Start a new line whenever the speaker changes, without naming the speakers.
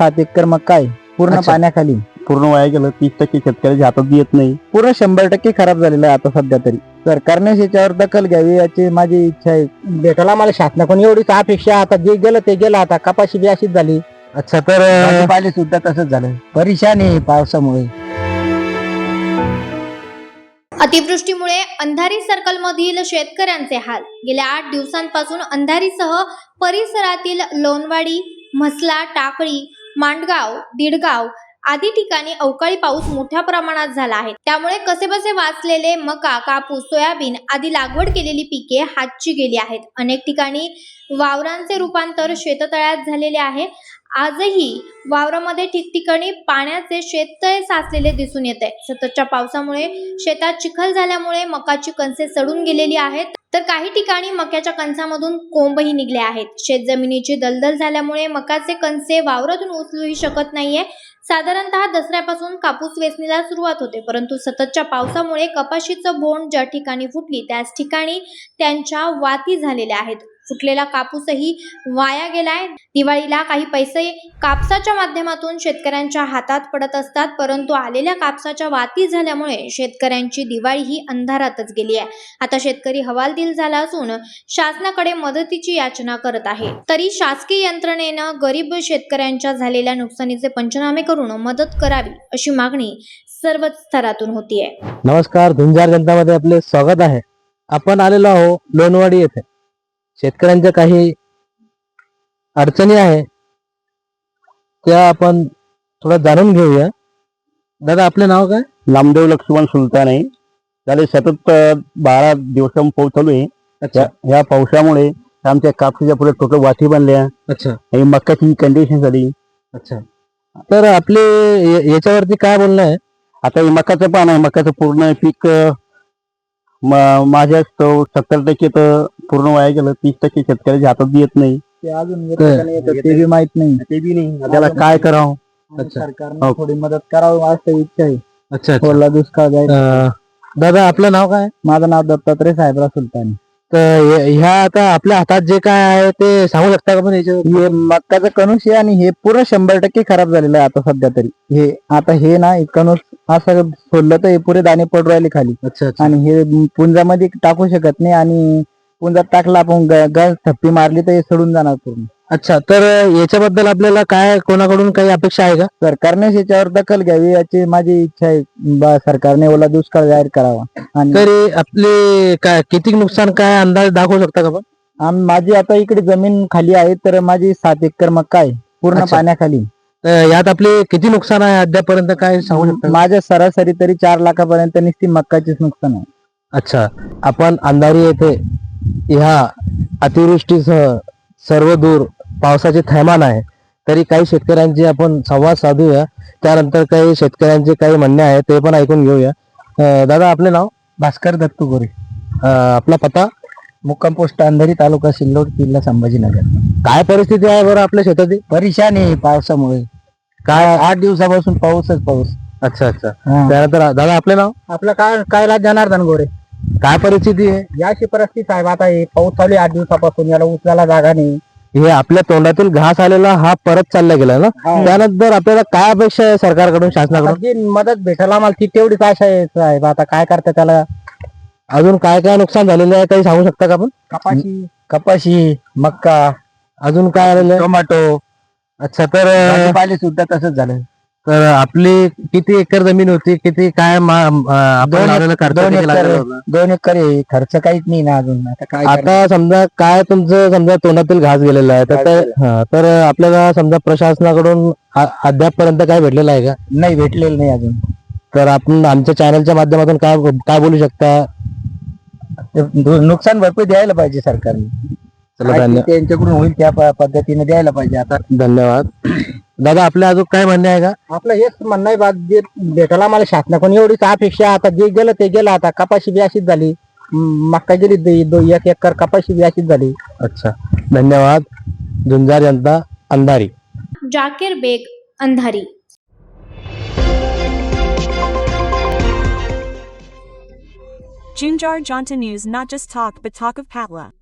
7 acre मका आहे पूर्ण
अच्छा.
पाण्याखाली.
पूर्ण वाया गेलं. 30% शेतकऱ्याच्या हातात येत नाही.
पूर्ण 100% खराब झालेलं आहे आता सध्या तरी. सरकारने याच्यावर दखल घ्यावी याची माझी इच्छा आहे. भेटायला मला शासनाकडून एवढीच अपेक्षा. आता जे गेलं ते गेलं. आता कपाशी बी अशीच झाली.
अच्छा, तर
भाजीपाले सुद्धा तसंच झालं. परेशान आहे पावसामुळे.
अतिवृष्टीमुळे अंधारी सर्कलमधील शेतकऱ्यांचे हाल. गेल्या 8 दिवसांपासून अंधारीसह परिसरातील लोणवाडी, म्हसला, टाकळी, मांडगाव, दिडगाव आदी ठिकाणी अवकाळी पाऊस मोठ्या प्रमाणात झाला आहे. त्यामुळे कसेबसे वाचलेले मका, कापूस, सोयाबीन आदी लागवड केलेली पिके हातची गेली आहेत. अनेक ठिकाणी वावरांचे रूपांतर शेततळ्यात झालेले आहे. आजही वावरामध्ये ठिकठिकाणी पाण्याचे शेततळे साचलेले दिसून येत आहे. सततच्या पावसामुळे शेतात चिखल झाल्यामुळे मकाची कणसे सडून गेलेली आहेत, तर काही ठिकाणी मक्याच्या कणसामधून कोंबही निघले आहेत. शेतजमिनीची दलदल झाल्यामुळे मकाचे कणसे वावरातून उचलूही शकत नाहीये. साधारणतः दसऱ्यापासून कापूस वेचणीला सुरुवात होते, परंतु सततच्या पावसामुळे कपाशीचं बोंड ज्या ठिकाणी फुटली त्याच ठिकाणी त्यांच्या वाती झालेल्या आहेत. फुटलेला कापूसही वाया गेलाय. दिवाळीला काही पैसे कापसाच्या माध्यमातून शेतकऱ्यांच्या हातात पडत असतात, परंतु आलेल्या कापसाच्या वाती झाल्यामुळे शेतकऱ्यांची दिवाळी ही अंधारातच गेली आहे. आता शेतकरी हवालदिल झाला असून शासनाकडे मदतीची याचना करत आहे. तरी शासकीय यंत्रणेनं गरीब शेतकऱ्यांच्या झालेल्या नुकसानीचे पंचनामे करून मदत करावी अशी मागणी सर्वच स्तरातून होतीये.
नमस्कार, धुंजार जनतामध्ये आपले स्वागत आहे. आपण आलेलो आहोत लोणवाडी येथे. शेतकऱ्यांच्या काही अडचणी आहे त्या आपण थोडं जाणून घेऊया. दादा, आपले नाव काय?
नामदेव लक्ष्मण सुलतान आहे. त्याला सतत 12 दिवसांपासून पाऊस चालू आहे.
अच्छा
ह्या पावसामुळे आमच्या कापसाच्या पुढे टोटल वाटी बनल्या
अच्छा
आणि मक्याची कंडिशन झाली.
अच्छा, तर आपले याच्यावरती काय बोलणं आहे?
आता हे मकाचं पान आहे. मकाचं पूर्ण पीक माझ्या 70% तर पूर्ण वाया गेलं. 30% शेतकऱ्याच्या हातात येत नाही.
ते अजून येतं का नाही येतं ते बी माहित नाही.
ते बी नाही. त्याला काय करावं?
अच्छा.
सरकारने थोडी मदत करावी असं इच्छा आहे.
अच्छा अच्छा.
ओला दुष्काळ जाईल.
दादा, आपलं नाव काय?
माझं नाव दत्तात्रय साहेबराव सुलतान.
तर ह्या आता आपल्या हातात जे काय आहे ते सांगू शकता का पण याच्यावर?
हे मक्काचं कणूस आहे आणि हे पूर्ण 100% खराब झालेलं आहे आता सध्या तरी. हे ना कणूस असं सोडलं तर हे पुरे दाणे पडू राहिले खाली.
अच्छा अच्छा.
आणि हे पुंजामध्ये टाकू शकत नाही आणि पुंजात टाकला आपण गॅस थप्पी मारली तर हे सडून जाणार पूर्ण.
अच्छा, तर याच्याबद्दल आपल्याला काय कोणाकडून काही अपेक्षा आहे का?
सरकारने याच्यावर दखल घ्यावी याची माझी इच्छा आहे. सरकारने ओला दुष्काळ जाहीर करावा. आणि
तरी आपले काय किती नुकसान काय अंदाज दाखवू शकता का पण?
माझी आता इकडे जमीन खाली आहे तर माझी 7 एकर मका आहे पूर्ण
अच्छा.
पाण्याखाली.
तर यात आपले किती नुकसान आहे अद्यापर्यंत काय सांगू शकता का?
माझ्या सरासरी तरी 4 लाखापर्यंत नुसती मक्काचीच नुकसान आहे.
अच्छा, आपण अंधारी येथे ह्या अतिवृष्टीसह सर्व दूर पावसाचे थैमान आहे. तरी काही शेतकऱ्यांचे आपण संवाद साधूया. त्यानंतर काही शेतकऱ्यांचे काही म्हणणे आहे ते पण ऐकून घेऊया. दादा, आपले नाव?
भास्कर दत्तू गोरे,
आपला पत्ता?
मुक्काम पोस्ट अंधारी, तालुका सिल्लोड, जिल्हा संभाजीनगर.
काय परिस्थिती आहे बरं आपल्या शेताची?
परेशान आहे पावसामुळे.
काय?
8 दिवसापासून पाऊसच पाऊस.
अच्छा अच्छा.
हा.
त्यानंतर दादा, आपले नाव?
आपलं काय जनार्दन गोरे.
काय परिस्थिती आहे?
याची परिस्थिती साहेब आता हे पाऊस चालू आहे 8 दिवसापासून. याला उचलायला जागा नाही.
हे आपल्या तोंडातील घास आलेला हा परत चालला गेला ना.
हा.
त्यानंतर आपल्याला काय अपेक्षा आहे सरकारकडून,
आता
शासनाकडून?
जी मदत भेटायला आम्हाला ती तेवढीच आशा आहे साहेब. आता काय करता त्याला.
अजून काय काय नुकसान झालेलं आहे काही सांगू शकता का आपण?
कपाशी, मक्का,
अजून काय आलेलं आहे?
टोमॅटो,
अच्छा, तर
भाजीपाले सुद्धा तसंच झालं.
तर आपली किती एकर जमीन होती? किती काय आपण लावलेलं खर्च किती लागलेला होता?
2 एकर आहे. खर्च काहीच नाही ना अजून. आता काय
आता समजा काय तुमचं समजा तोंडातील घास गेलेला आहे तर आपल्याला समजा प्रशासनाकडून अद्यापपर्यंत काय भेटलेलं आहे का?
नाही भेटलेलं नाही अजून.
तर आपण आमच्या चॅनलच्या माध्यमातून काय काय बोलू शकता?
नुकसान भरपाई द्यायला पाहिजे सरकारने.
चला,
काय ते त्यांच्याकडून होईल त्या पद्धतीने द्यायला पाहिजे. आता
धन्यवाद. दादा, आपल्या अजून काय म्हणणे आहे का?
आपलं हेच म्हणणं आहे बात जे भेटायला मला शासनाकडून एवढीच अपेक्षा. आता जे गेलं ते गेलं. आता कपाशी बी अशीच झाली. मक्का गेली 1 एकर कपाशी बी अशीच झाली.
अच्छा, धन्यवाद. झुंजार जनता, अंधारी.
जाकीर बेग, अंधारी.
Junjar Jonta News, not just talk but talk of Patla.